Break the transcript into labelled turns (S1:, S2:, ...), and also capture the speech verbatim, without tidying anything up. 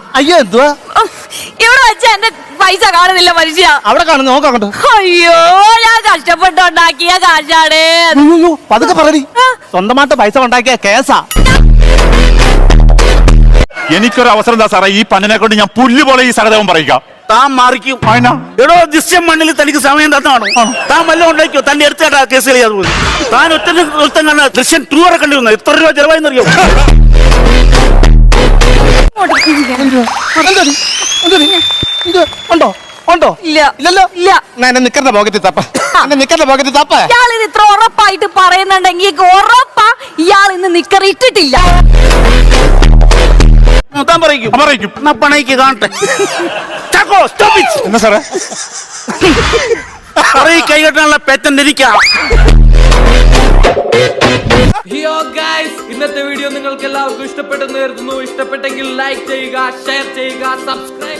S1: അയ്യോ എന്തുവാ
S2: ഇവിടെ വെച്ച എന്റെ പൈസ കാണുന്നില്ല മനുഷ്യ.
S1: അവിടെ കാണുന്നു നോക്കാണ്ട്.
S2: അയ്യോ ഞാൻ കഷ്ടപ്പെട്ടുണ്ടാക്കിയ കാശാണ്.
S1: പതുക്കെ പറടി. സ്വന്തമായിട്ട് പൈസ ഉണ്ടാക്കിയ കേസാ.
S3: എനിക്കൊരു അവസരം എന്താ സാറേ, ഈ പന്നിനെ കൊണ്ട് ഞാൻ പുല്ല് പോലെ ഈ സഹദേവം പറയിക്കാം.
S4: താൻ മാറിക്കും. എടോ ദൃശ്യം മണ്ണിൽ തനിക്ക് സമയം തന്നാണോ? താൻ വല്ലതും ഉണ്ടാക്കിയോ? തന്റെ എടുത്തേട്ടാ കേസ് കളിയാതെ പോയി. താൻ ഒറ്റ നൃത്തം കണ്ട ദൃശ്യം ടൂ വരെ കണ്ടിരുന്നു. എത്ര രൂപ ചെലവായെന്നറിയോ?
S1: ഉണ്ടോ ഉണ്ടോ?
S2: ഇല്ല
S1: ഇല്ലല്ലോ.
S2: ഇല്ല.
S1: എന്നെ നിക്കറിന്റെ പോക്കറ്റിൽ തപ്പ. എന്നെ നിക്കറിന്റെ പോക്കറ്റിൽ തപ്പ.
S2: ഇയാൾ ഇത് ഇത്ര ഉറപ്പായിട്ട് പറയുന്നുണ്ടെങ്കിൽ ഉറപ്പാ ഇയാൾ ഇന്ന് നിക്കർ ഇട്ടിട്ടില്ല.
S4: താൻ പറയിക്കും.
S3: പറയിക്കും.
S4: എന്നാ പണയ്ക്ക് കാണട്ടെ. Chacko stop it.
S3: എന്നാ സാറേ
S4: പറയി കൈകെട്ടാനുള്ള പേറ്റന്റ് എനിക്കാ.
S5: ഹിയോ ഗൈസ്, ഇന്നത്തെ വീഡിയോ നിങ്ങൾക്ക് എല്ലാവർക്കും ഇഷ്ടപ്പെട്ടെന്ന് കരുതുന്നു. ഇഷ്ടപ്പെട്ടെങ്കിൽ ലൈക്ക് ചെയ്യുക, ഷെയർ ചെയ്യുക, സബ്സ്ക്രൈബ്